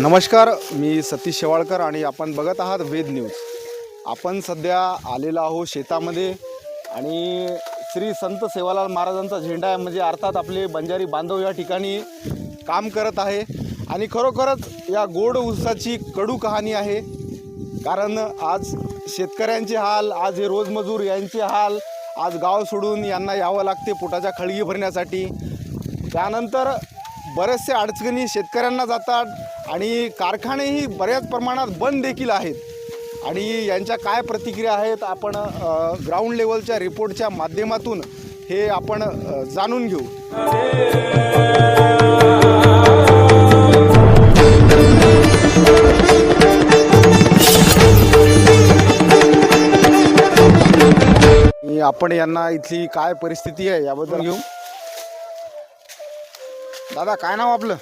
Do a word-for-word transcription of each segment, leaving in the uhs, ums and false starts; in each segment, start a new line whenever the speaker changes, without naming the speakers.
नमस्कार, मी सतीश शेवाळकर आणि आपण बघत आहात वेद न्यूज। आपण सध्या आलेलो आहोत शेतामध्ये आणि श्री संत सेवालाल महाराजांचा झेंडा आहे, म्हणजे अर्थात आपले बंजारी बांधव या ठिकाणी काम करत आहे आणि खरोखरच या गोड ऊसाची कडू कहाणी आहे। कारण आज शेतकऱ्यांचे हाल, आज हे रोजमजूर यांचे हाल, आज गाव सोडून यांना यावं लागते पोटाच्या खळगी भरण्यासाठी। त्यानंतर बरेचसे अडचणी शेतकऱ्यांना जातात आणि कारखानेही बऱ्याच प्रमाणात बंद देखील आहेत आणि यांच्या काय प्रतिक्रिया आहेत आपण ग्राउंड लेवलच्या रिपोर्टच्या माध्यमातून हे आपण जाणून घेऊ। मी आपण यांना इथली काय परिस्थिती आहे याबद्दल घेऊ। दादा, काय नाव आपलं?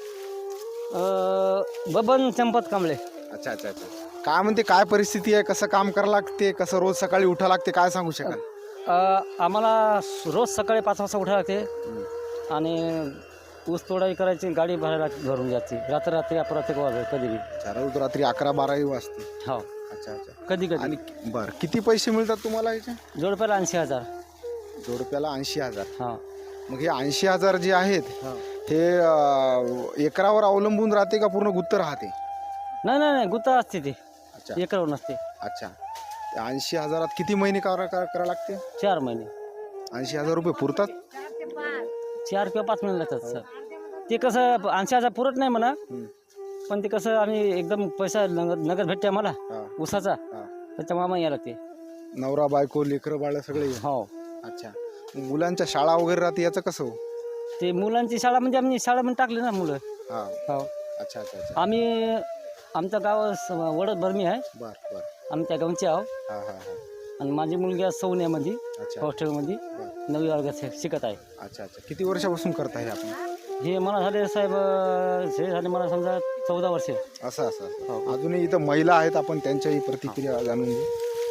बबन चंपत कांबळे।
अच्छा अच्छा अच्छा काय म्हणते, काय परिस्थिती आहे, कसं काम करावं लागते, कसं रोज सकाळी उठा लागते, काय सांगू शकाल?
आम्हाला रोज सकाळी पाच वाजता उठावं लागते आणि ऊस तोडाई करायची, गाडी भरायला भरून जायची, रात्र रात्री अपरात्री वाजत कधी बी
रोज रात्री अकरा बाराही वाजते।
हो,
अच्छा अच्छा
कधी कधी।
आणि बरं, किती पैसे मिळतात तुम्हाला याचे?
जोडप्याला ऐंशी हजार
जोडप्याला ऐंशी हजार
हां।
मग हे ऐंशी हजार जे आहेत हे एकरावर अवलंबून राहते का पूर्ण गुत्त राहते?
नाही नाही नाही गुत्ता असते ते।
अच्छा,
एकरावर नसते।
अच्छा, ऐंशी हजारात किती महिने करा करा लागते?
चार महिने।
ऐंशी हजार रुपये पुरतात?
चार किंवा पाच महिने लागतात सर। ते कसं ऐंशी हजार पुरत नाही म्हणा, पण ते कसं आम्ही एकदम पैसा नगद नगद भेटते आम्हाला ऊसाचा, त्याच्यामुळे आम्हाला यायला लागते।
नवरा बायको लेकरं बाळ सगळे?
हो।
अच्छा, मुलांच्या शाळा वगैरे राहते, याचं कसं?
ते मुलांची शाळा म्हणजे आम्ही शाळा म्हणून टाकली ना मुलं।
हां,
हो।
अच्छा अच्छा अच्छा
आम्ही आमचं गाव वडद बर्मी आहे।
बर बर
आम्ही त्या गावचे आहो।
हां हां हां
आणि माझी मुलगी आहे सौन्यामध्ये
अच्छा
हॉस्टेलमध्ये नववी वर्गात शिकत आहे।
अच्छा अच्छा किती वर्षापासून करताय आपण
हे? मला झाले साहेब, हे झाले मला समजा चौदा वर्षे।
असं असं अजूनही इथं महिला आहेत, आपण त्यांच्याही प्रतिक्रिया जाणून घेऊ।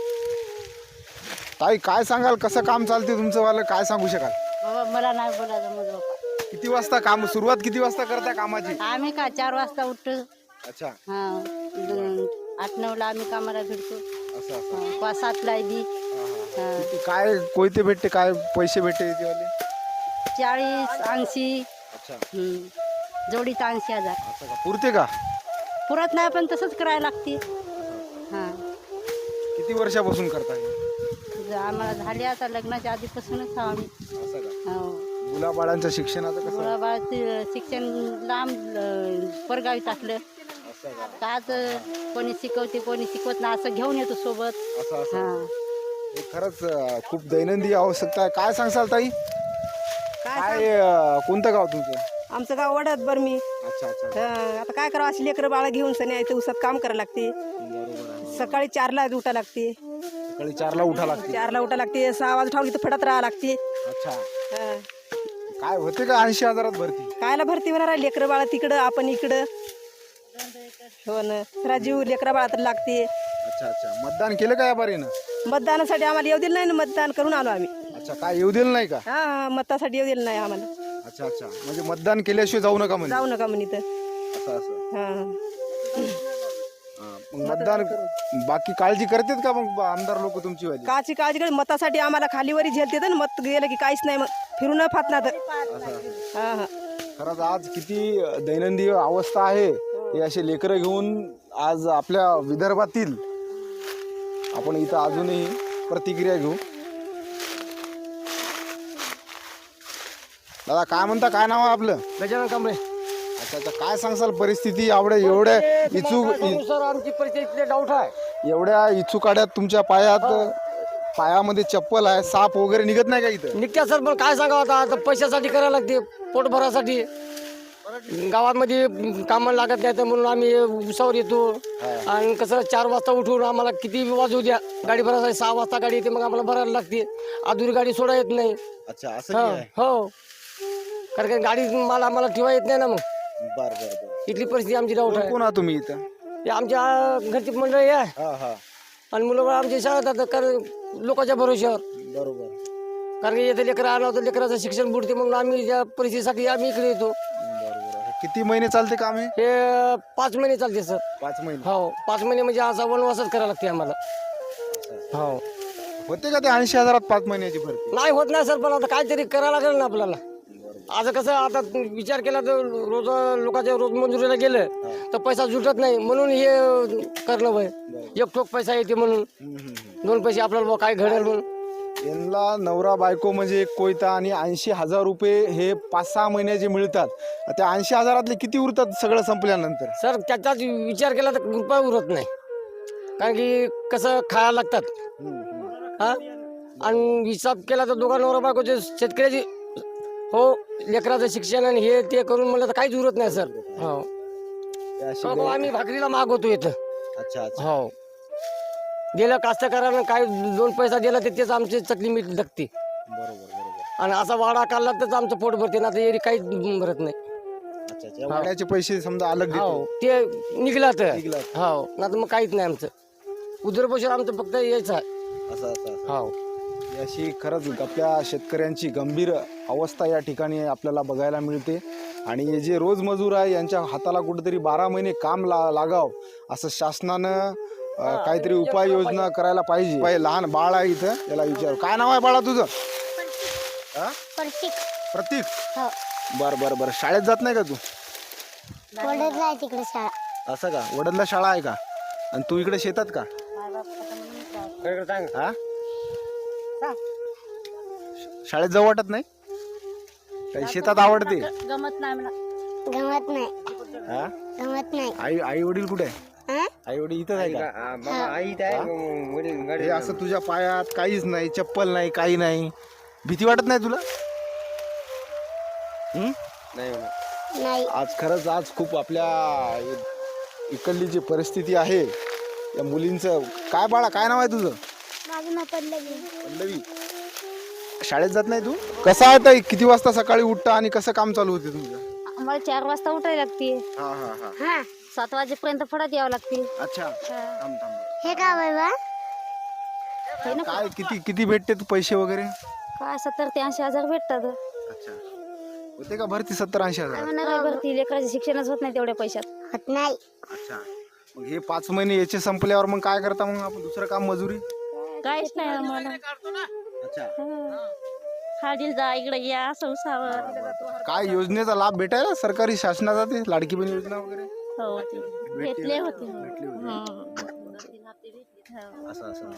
ताई, काय सांगाल, कसं काम चालते तुमचं वालं, काय सांगू शकाल?
बाबा मला नाही बोलायचं मग बाबा।
किती वाजता काम सुरुवात, किती वाजता करता कामाची?
आम्ही का चार वाजता उठतो।
अच्छा,
हा, आठ नऊला आम्ही कामाला भेटतो।
असं असं
पाच सातला बी
किती काय कोयते भेटते, काय पैसे भेटते याच्यावाले?
चाळीस ऐंशी।
अच्छा,
जोडीत ऐंशी हजार।
असं का, पुरते का?
पुरत नाही पण तसंच करायला लागते। हा,
किती वर्षापासून करताय?
आम्हाला झाले आता लग्नाच्या आधीपासूनच आहो आम्ही।
असं का?
हो।
मुलाबाळांचं शिक्षणाचं कसं?
मुलाबाळाचं शिक्षण लांब परगावी टाकलं।
असं का?
काच कोणी शिकवते कोणी शिकवत नाही, असं घेऊन येतो सोबत।
असं असं
हा,
हे खरंच अं, खूप दैनंदिन आवश्यकता आहे। काय सांगसाल ताई? काय अं, कोणतं गाव तुमचं?
आमचं गाव वडद बर्मी।
अच्छा अच्छा
आता काय करावं, अशी लेकरं बाळा घेऊन सनी इथे उसात काम करायला लागते।
बरोबर आहे।
सकाळी चारला उठा लागते,
सकाळी चारला उठा लागते?
चारला उठा लागते, सहा वाजता ठाऊन इथं फडत राहा लागते।
अच्छा,
हा.
काय होते का ऐंशी हजारात भरती?
कायला भरती होणार, लेकरं बाळा तिकडं आपण इकडं। हो ना, राजीव लेकरा बाळा तर लागते।
अच्छा अच्छा मतदान केलं का या बारीनं?
मतदानासाठी आम्हाला येऊ दिलं नाही ना, मतदान करून आलो आम्ही।
अच्छा, काय येऊ दिलं नाही का?
हा, मतासाठी येऊ दिलं नाही आम्हाला।
अच्छा अच्छा, म्हणजे मतदान केल्याशिवाय जाऊ नका म्हणजे?
जाऊ नका म्हणे तर।
असं असं
हा,
हां, मग मतदान बाकी काळजी करतात का मग आमदार लोक तुमची वाली?
काची काळजी कर, मतासाठी आम्हाला खालीवरी झेलते ना, मत गेलं की काहीच नाही, मग फिरून फात ना तर। हा हा,
खरंच आज किती दैनंदिन अवस्था आहे। हे असे लेकरं घेऊन आज आपल्या विदर्भातील आपण इथं अजूनही प्रतिक्रिया घेऊ। दादा, काय म्हणता, काय नाव आहे आपलं?
गजानन कांबळे।
अच्छा अच्छा, काय सांगसाल परिस्थिती? आवडे एवढ्या इचूक
सर आमची परिस्थिती डाऊट आहे।
एवढ्या इचुकाड्यात तुमच्या पायात पायामध्ये चप्पल आहे, साप वगैरे निघत नाही का इथं?
निघत्या सर, पण काय सांगावं आता, आता पैशासाठी करायला लागते, पोट भरासाठी। गावामध्ये कामाला लागत नाही तर म्हणून आम्ही उसावर येतो। आणि कसं चार वाजता उठून आम्हाला किती वाजू द्या, गाडी भरायसाठी सहा वाजता गाडी येते, मग आम्हाला भरायला लागते। अधुरी गाडी सोडा येत नाही।
अच्छा, असं आहे?
हो, कारण की गाडी मला आम्हाला ठेवा येत नाही ना, मग
बर बर बर
इथली परिस्थिती आमची डाऊट आहे।
कोण आहात तुम्ही इथं?
हे आमच्या घरची मंडळी आहे
हा हा
आणि मुलं आमच्या शाळेत कारण लोकांच्या भरोश्यावर।
बरोबर,
कारण की येथे लेकरं आलं होतं, लेकराचं शिक्षण बुडते म्हणून आम्ही त्या परिस्थितीसाठी आम्ही इकडे येतो।
बरोबर. किती महिने चालते काम हे?
हे पाच महिने चालते सर.
पाच महिने.
हो पाच महिने म्हणजे असा वनवासच करायला लागते आम्हाला. हो
होते का ते ऐंशी हजारात पाच महिन्याची भरती?
नाही होत नाही सर, पण आता काहीतरी करायला लागेल ना आपल्याला. आता कसं आता विचार केला तर रोज लोकांच्या रोज मंजुरीला गेलं तर पैसा जुटत नाही, म्हणून हे करणं वय एक ठोक पैसा येते म्हणून दोन पैसे आपल्याला बुवा काय घडेल म्हणून.
यांना नवरा बायको म्हणजे एक कोयता आणि ऐंशी हजार रुपये हे पाच सहा महिन्याचे मिळतात. त्या ऐंशी हजारातले किती उरतात सगळं संपल्यानंतर?
सर त्याचाच विचार केला तर रुपया उरत नाही, कारण की कसं खायला लागतात हा. आणि हिसाब केला तर दोघा नवरा बायकोचे शेतकऱ्याची हो लेकराचं शिक्षण आणि हे ते करून म्हणलं तर काहीच उरत नाही सर. हो
ते अशी
हो, आम्ही भाकरीला मागवतो इथं.
अच्छा अच्छा.
हो गेलं कास्तकारानं काय दोन पैसा दिला तर तेच आमची चटणी मीठ लागते.
बरोबर बरोबर.
आणि असा वाडा काढला तर आमचं पोट भरते ना, तर एरी काहीच भरत नाही.
अच्छा अच्छा. वाड्याचे पैसे समजा अलग
हो
देतो.
ते निघला तर
निघालं.
हो ना, तर मग काहीच नाही आमचं उदरपोषण आमचं फक्त यायचं आहे.
असं असं असं.
हो
ही अशी खरंच आपल्या शेतकऱ्यांची गंभीर अवस्था या ठिकाणी आपल्याला बघायला मिळते. आणि हे जे रोजमजूर आहे यांच्या हाताला कुठेतरी बारा महिने काम ला लागाव असं शासनानं अ, काहीतरी उपाययोजना करायला पाहिजे. बाई, लहान बाळ आहे इथं, त्याला विचार काय नाव आहे बाळा तुझं? हा?
प्रतीक.
प्रतीक.
हो
बर बर बर. शाळेत जात नाही का तू?
वडदला आहे तिकडे शाळा.
असं का? वडदला शाळा आहे का? आणि तू इकडे शेतात का? हा? शाळेत जाऊ वाटत नाही? काही शेतात आवडते?
गमत नाही म्हणा.
गमत नाही.
हा?
गमत नाही.
आई आई वडील कुठे आहे?
हा?
आई वडील इथंच आहे का? हे असं तुझ्या पायात काहीच नाही, चप्पल नाही, काही नाही, भीती वाटत नाही तुला? हं?
नाही.
आज खरंच आज खूप आपल्या इकडली जी परिस्थिती आहे या मुलींचं. काय बाळा काय नाव आहे तुझं?
माझं नाव पल्लवी.
पल्लवी. शाळेत जात नाही तू? कसं आहे ताई, किती वाजता सकाळी उठता आणि कसं काम चालू होते तुमचं?
आम्हाला चार वाजता उठायला लागते,
हा हा हा.
हा
सात वाजेपर्यंत फळात यावं लागते.
अच्छा. थांब थांब.
हे का बाबा?
काय किती किती भेटते तू पैसे वगैरे?
काय सत्तर ते ऐंशी हजार भेटतात.
अच्छा. होते का भरती सत्तर ऐंशी हजार?
आम्हाला काय भरती, लेकराचे शिक्षणच होत नाही तेवढ्या पैशात.
होत नाही.
अच्छा. मग हे पाच महिने याचे संपल्यावर मग काय करता मग आपण? दुसरं काम मजुरी?
काहीच नाही आम्हाला.
अच्छा.
हाडील जा इकडे या असं उसावर.
काय योजनेचा लाभ भेटायला सरकारी शासनाचा ते लाडकी बहीण योजना वगैरे?
हो ते भेटले होते.
भेटली होती.
हं.
असं असं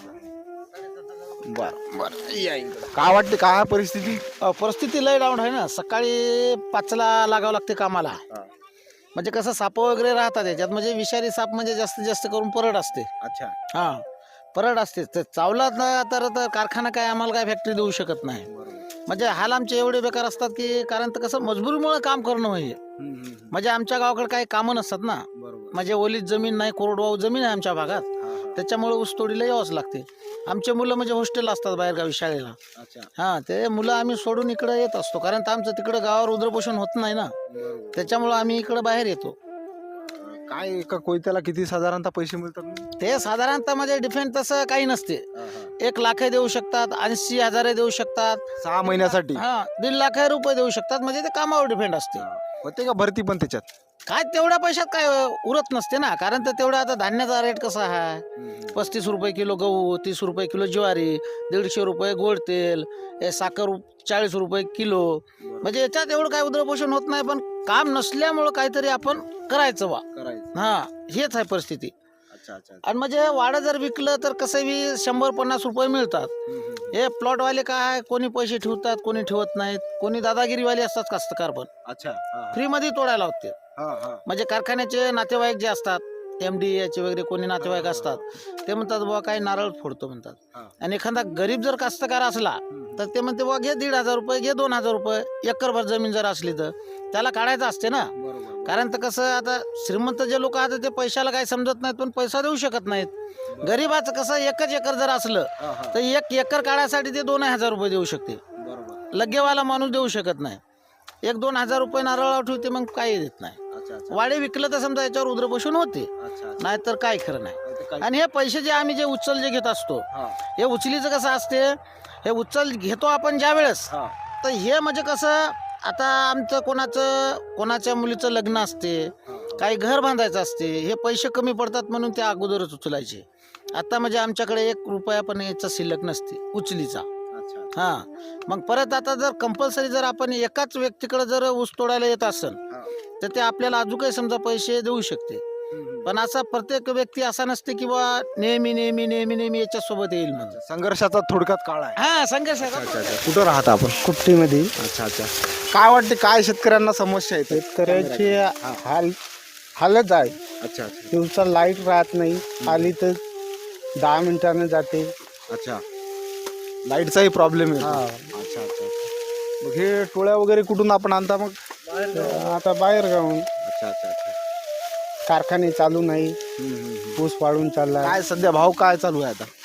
बर बर. या इकडं. काय वाटते काय आहे परिस्थिती?
अ, परिस्थिती लय डाऊन आहे ना. सकाळी पाचला लागावं लागते कामाला. म्हणजे कसं साप वगैरे राहतात याच्यात, म्हणजे विषारी साप म्हणजे जास्तीत जास्त करून परड असते.
अच्छा.
हां परड असते. तर चावला ना तर तर कारखाना काय आम्हाला काय फॅक्टरी देऊ शकत नाही. म्हणजे हाल आमचे एवढे बेकार असतात की, कारण तर कसं मजबुरीमुळे काम करणं म्हणजे म्हणजे आमच्या गावाकडे काही कामं नसतात ना. म्हणजे ओलीत जमीन नाही, कोरडवाहू जमीन आहे आमच्या भागात, त्याच्यामुळे ऊसतोडीला यावंच लागते. आमचे मुलं म्हणजे हॉस्टेल असतात बाहेरगावी शाळेला. हां ते मुलं आम्ही सोडून इकडे येत असतो, कारण तर आमचं तिकडं गावावर उद्रपोषण होत नाही ना, त्याच्यामुळं आम्ही इकडं बाहेर येतो.
काय एका कोयत्याला किती साधारणतः पैसे मिळतात?
ते साधारणतः म्हणजे डिफेंड तसं काही नसते. एक लाख देऊ शकतात, ऐंशी हजार देऊ शकतात,
सहा महिन्यासाठी.
हा दीड लाख रुपये देऊ शकतात. म्हणजे ते कामावर डिपेंड असते.
होते का भरती पण त्याच्यात?
काय तेवढ्या पैशात काय उरत नसते ना, कारण तर तेवढा आता धान्याचा रेट कसा आहे, पस्तीस रुपये किलो गहू, तीस रुपये किलो ज्वारी, दीडशे रुपये गोड तेल, हे साखर चाळीस रुपये किलो. म्हणजे याच्यात एवढं काय उदरपोषण होत नाही, पण काम नसल्यामुळं काहीतरी आपण करायचं वा. हा हेच आहे परिस्थिती.
अच्छा अच्छा.
आणि म्हणजे वाडं जर विकलं तर कसं बी शंभर पन्नास रुपये मिळतात. हे प्लॉटवाले काय कोणी पैसे ठेवतात, कोणी ठेवत नाहीत, कोणी दादागिरीवाले असतात कास्तकार पण
अच्छा.
फ्रीमध्ये तोडायला होते. म्हणजे कारखान्याचे नातेवाईक जे असतात, एम डी याचे वगैरे कोणी नातेवाईक असतात, ते म्हणतात बाबा काही नारळ फोडतो म्हणतात. आणि एखादा गरीब जर कास्तकार असला तर ते म्हणते बाबा घे दीड हजार रुपये, घे दोन हजार रुपये, एकरभर जमीन जर असली तर त्याला काढायचं असते ना. कारण तर कसं आता श्रीमंत जे लोक आहेत ते पैशाला काही समजत नाहीत, पण पैसा देऊ शकत नाहीत. गरीबाचं कसं एकच एकर जर असलं तर एक एकर काढायसाठी ते दोन हजार रुपये देऊ शकते. लगेवाला माणूस देऊ शकत नाही. एक दोन हजार रुपये नारळ ठेवते, मग काही देत नाही. वाडे विकलं तर समजा याच्यावर उद्रपोषण होते, नाहीतर काय खरं नाही. आणि हे पैसे जे आम्ही जे उचल जे घेत असतो, हे उचलीचं कसं असते, हे उचल घेतो आपण ज्या वेळेस, तर हे म्हणजे कसं आता आमचं कोणाचं कोणाच्या मुलीचं लग्न असते, काही घर बांधायचं असते, हे पैसे कमी पडतात म्हणून ते अगोदरच उचलायचे. आता म्हणजे आमच्याकडे एक रुपया पण याचा शिल्लक नसते उचलीचा. हां, मग परत आता जर कंपल्सरी जर आपण एकाच व्यक्तीकडे जर ऊस तोडायला येत असेल तर ते आपल्याला अजून काही समजा पैसे देऊ शकते. पण असा प्रत्येक व्यक्ती असा नसते की बा नेहमी नेहमी नेहमी नेहमी याच्या सोबत येईल म्हणजे.
संघर्षाचा थोडक्यात काळ आहे.
हा संघर्ष आहे.
अच्छा अच्छा. कुठं राहता आपण?
कुट्टीमध्ये
अच्छा अच्छा. काय वाटते, काय शेतकऱ्यांना समस्या येते?
शेतकऱ्याची हाल हालत आहे.
अच्छा अच्छा
दिवसा लाईट राहत नाही, आली तर दहा मिनिटानं जाते.
अच्छा. लाईटचाही प्रॉब्लेम आहे.
हा.
अच्छा अच्छा. मग हे टोळ्या वगैरे कुठून आपण आणता मग?
आता बाहेर जाऊन
अच्छा अच्छा अच्छा.
कारखाने चालू नाही,
हम्म, हम्म, हम्म.
ऊस वाढून चालला.
काय सध्या भाव काय चालू आहे आता?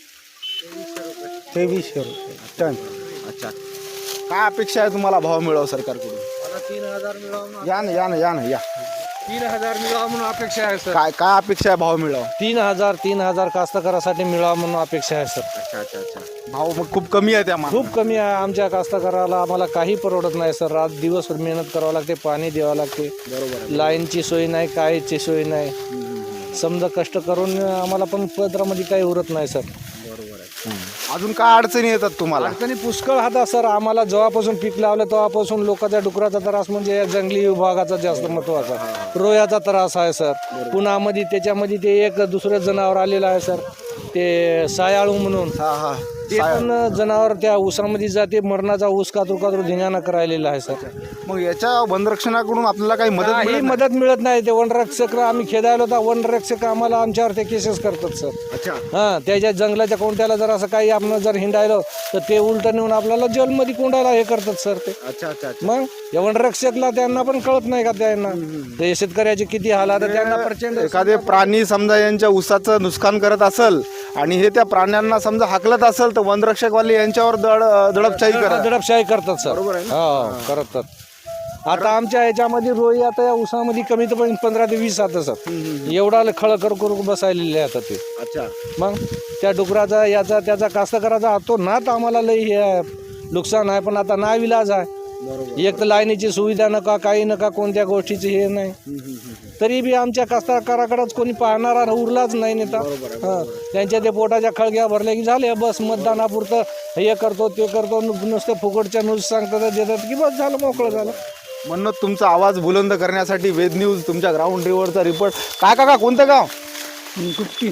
तेवीसशे रुपये टन.
अच्छा. काय अपेक्षा आहे तुम्हाला भाव मिळावं सरकारकडून?
तीन हजार मिळावं
या ना या ना या ना या.
तीन हजार मिळावं म्हणून अपेक्षा आहे सर.
काय काय अपेक्षा आहे भाव मिळावं?
तीन हजार तीन हजार कास्तकारासाठी मिळावं म्हणून अपेक्षा आहे सर.
अच्छा अच्छा अच्छा. भाव मग खूप कमी आहे त्या मानाने.
खूप कमी आहे आमच्या कास्तकाराला. आम्हाला काही परवडत नाही सर. रात दिवस मेहनत करावं लागते, पाणी द्यावं लागते,
बरोबर आहे.
लाईनची सोय नाही, काहीची सोय नाही. समजा कष्ट करून आम्हाला पण पदरामध्ये काही उरत नाही सर.
बरोबर आहे. अजून काय अडचणी येतात तुम्हाला?
अडचणी पुष्कळ हाता सर. आम्हाला जेव्हापासून पीक लावलं तेव्हापासून लोकांच्या डुकराचा त्रास म्हणजे या जंगली विभागाचा जास्त महत्वाचा. रोयाचा त्रास आहे सर. पुन्हा मध्ये त्याच्यामध्ये ते एक दुसरं जनावर आलेलं आहे सर, ते सायाळू म्हणून.
हा हा.
ते पण जनावर त्या ऊसामध्ये जाते, मरणाचा ऊस कातरू कातरू धिंगाणा करायलेला आहे सर.
मग याच्या वनरक्षणाकडून आपल्याला काही मदत
काही
मिळत नाही?
मदत मिळत नाही. ते वनरक्षक आम्ही खेदायला होता, वनरक्षक आम्हाला आमच्यावर ते केसेस करतात सर.
अच्छा.
हां, त्याच्या जंगलाच्या कोणत्याला जर असं काही आपण जर हिंडायलो तर ते उलट नेऊन आपल्याला जेलमध्ये कोंडायला हे करतात सर ते.
अच्छा अच्छा अच्छा.
मग या वनरक्षकला त्यांना पण कळत नाही का त्यांना ते शेतकऱ्याचे किती हाल आता त्यांना प्रचंड.
एखादे प्राणी समजा यांच्या ऊसाचं नुकसान करत असेल आणि हे त्या प्राण्यांना समजा हाकलत असेल तर वनरक्षकवाले यांच्यावर दड दडपशाही करत.
दडपशाही करतात सर.
बरोबर आहे ना?
हो करतात. आता आमच्या ह्याच्यामध्ये रोई आता या ऊसामध्ये कमीत कमी पंधरा ते वीस आता सर एवढा खळ कर करून बसायलेले आता ते.
अच्छा.
मग त्या डुकराचा याचा त्याचा कास्तकाराचा तो नात आम्हाला लई हे आहे, नुकसान आहे. पण आता नाही विलाज आहे. एक तर लाईनीची सुविधा नका, काही नका, कोणत्या गोष्टीची हे नाही. तरी बी आमच्या कास्तकाराकडेच कोणी पाहणारा उरलाच नाही नेता. हां, त्यांच्या ते पोटाच्या खळग्या भरल्या की झाले बस मतदानापुरतं हे करतो ते करतो, नु- नुसतं फुकटच्या न्यूज सांगतात देतात की बस झालं, मोकळं झालं.
म्हणून तुमचा आवाज बुलंद करण्यासाठी वेद न्यूज तुमच्या ग्राउंड रिव्हरचा रिपोर्ट. काय काका, कोणतं गाव?
कुट्टी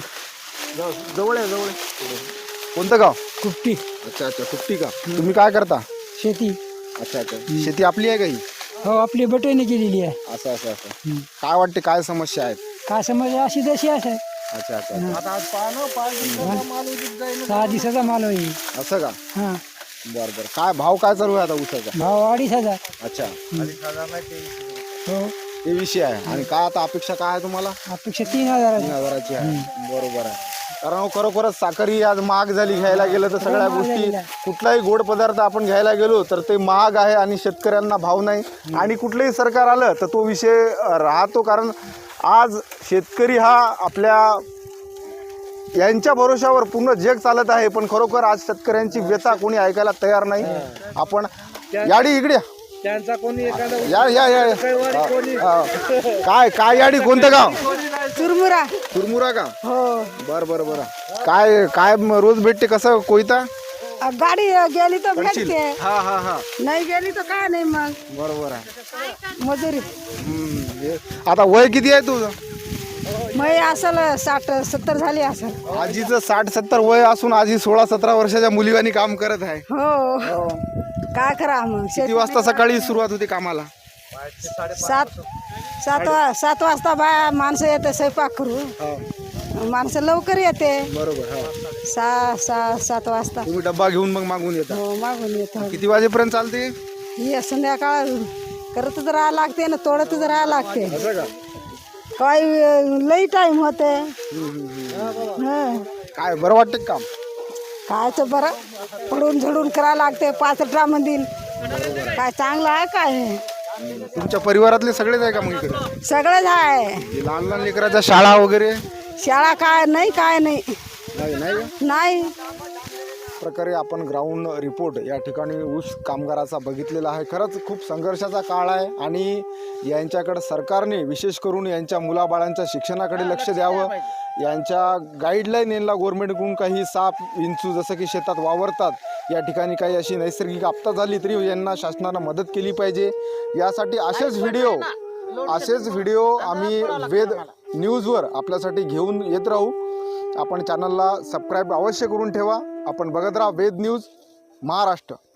जवळ आहे जवळ आहे. कोणतं गाव?
कुट्टी
अच्छा अच्छा. कुट्टी का? तुम्ही काय करता?
शेती.
अच्छा अच्छा. शेती आपली आहे काही?
हो, आपली बटवणी केलेली आहे.
असं असं असं. काय वाटते, काय समस्या आहेत?
काय समज अशी जशी आहे
अच्छा अच्छा अच्छा.
आता आज पाहणं पाच दिवसाचा माल उगीत जाईल.
सहा दिवसाचा माल होईल.
असं का?
हां,
बरं बरं. काय भाव काय चालू आहे आता ऊसाचा?
भाव अडीच हजार.
अच्छा.
हो,
ते विषय आहे. आणि काय आता अपेक्षा काय आहे तुम्हाला?
अपेक्षा तीन हजार
तीन
आहे.
हजाराची आहे. बरोबर आहे. कारण अहो, खरोखरच साखर ही आज महाग झाली. घ्यायला गेलं तर सगळ्या गोष्टी, कुठलाही गोड पदार्थ आपण घ्यायला गेलो तर ते महाग आहे आणि शेतकऱ्यांना भाव नाही. आणि कुठलंही सरकार आलं तर तो विषय राहतो. कारण आज शेतकरी हा आपल्या यांच्या भरोशावर पूर्ण जग चालत आहे. पण खरोखर आज शेतकऱ्यांची व्यथा कोणी ऐकायला तयार नाही. आपण याडी इकडे या.
त्यांचा कोणी एखादा
या या या या. हा. काय काय याडी, कोणतं गाव?
चुरमुरा.
चुरमुरा का?
हो,
बर बर बर. काय काय म- रोज भेटते कसं कोयता?
गाडी गेली तर
पडशील?
भेटते,
हा हा हा.
नाही गेली तर काय नाही, मग
बरोबर आहे.
मजुरी.
हम्म. हे- आता वय किती आहे तुझं?
मग असल साठ सत्तर झाली असल.
आजीचं साठ सत्तर वय असून आजी सोळा सतरा वर्षाच्या मुलीवानी काम करत आहे.
हो, काय करा मग.
किती वाजता सकाळी सुरुवात होती कामाला?
सात सात वा सात वाजता बाया माणसं येते स्वयंपाक करू. माणसं लवकर येते.
बरोबर. हा.
सहा सहा सात वाजता.
तुम्ही डब्बा घेऊन मग मागून येता?
हो, मागून येतो.
किती वाजेपर्यंत चालते?
ये संध्याकाळ करतच राहायला लागते ना, तोडतच राहायला लागते.
असं का?
काही लई टाइम होते. हं.
काय बरं वाटतं काम?
कायचं बरं, पडून झडून करायला लागते पाच ड्रामधील. काय चांगलं आहे काय?
तुमच्या परिवारातले सगळेच आहे का मग इकडे?
सगळंच आहे.
हे लहान लहान लेकराच्या शाळा वगैरे?
शाळा काय नाही, काय नाही
नाही नाही का?
नाही.
प्रकारे आपण ग्राउंड रिपोर्ट या ठिकाणी ऊस कामगाराचा बघितलेला आहे. खरंच खूप संघर्षाचा काळ आहे आणि यांच्याकडे सरकारने विशेष करून यांच्या मुलाबाळांच्या शिक्षणाकडे लक्ष द्यावं. यांच्या गाईडलाईन यांना गव्हर्नमेंटकडून काही साप विंचू जसं की शेतात वावरतात या ठिकाणी काही अशी नैसर्गिक आपदा झाली तरी यांना शासनानं मदत केली पाहिजे. यासाठी असेच व्हिडिओ असेच व्हिडिओ आम्ही वेद न्यूजवर आपल्यासाठी घेऊन येत राहू. आपण चॅनलला सबस्क्राईब अवश्य करून ठेवा. आपण बघत राहा वेद न्यूज महाराष्ट्र.